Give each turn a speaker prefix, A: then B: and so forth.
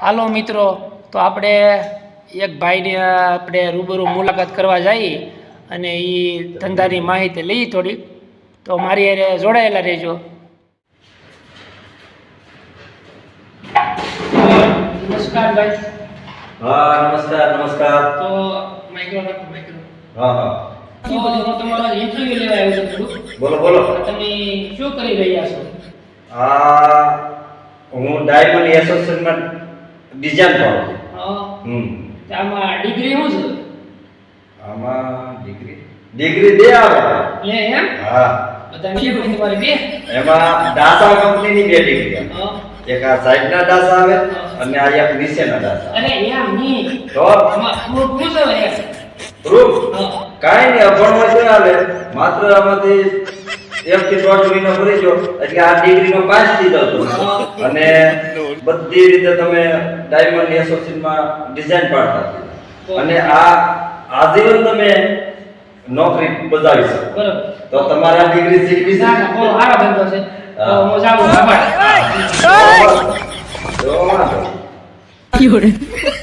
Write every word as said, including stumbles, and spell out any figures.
A: હાલો મિત્રો, તો આપણે એક ભાઈની આપણે રૂબરૂ મુલાકાત કરવા જઈએ અને એ ધંધાની માહિતી લઈએ થોડીક. તો મારી હારે જોડાયેલા રહેજો. નમસ્કાર ભાઈ.
B: હા નમસ્કાર નમસ્કાર.
A: તો માઇક્રો રાખો માઇક્રો.
B: હા હા
A: તો હું તમારો ઇન્ટરવ્યુ લેવા આવ્યો છું થોડું.
B: બોલો બોલો.
A: તમે શું કરી રહ્યા છો?
B: આ હું ડાયમંડ એસોસિએશનમાં ડિઝાઇન કરું છું.
A: હા.
B: હમ
A: તો આમાં ડિગ્રી શું છે?
B: આમાં ડિગ્રી ડિગ્રી દે આવે.
A: લે એમ?
B: હા
A: બધાને કેવું તમારી બે?
B: એમાં ડાસા કંપનીની બે ડિગ્રી આવે.
A: હા.
B: એક આ સાઈડના ડાસા આવે અને આ એક નીચેના ડાસા.
A: અરે એમ નહીં.
B: તો
A: આમાં પ્રૂફ શું છે એમ?
B: પ્રૂફ
A: હા.
B: કાંઈ નહીં, અભણમાં શું આવે, માત્ર આમાંથી એક થી દોઢ મહિનો ભરી જો એટલે આ ડિગ્રીનો પાસ થઈ જાવ તમે. અને બધી રીતે તમે ડાયમંડ એસોસિએશનમાં ડિઝાઇન પાડતા થયા. અને આ આજીવન તમે નોકરી બજાવી શકો.
A: બરોબર.
B: તો તમારા ડિગ્રી શીખવી છે.
A: ના ના, બહુ સારો ધંધો છે. તો હું જાઉં. આભાર.
B: તો વાંધો નહીં.
C: Fiore.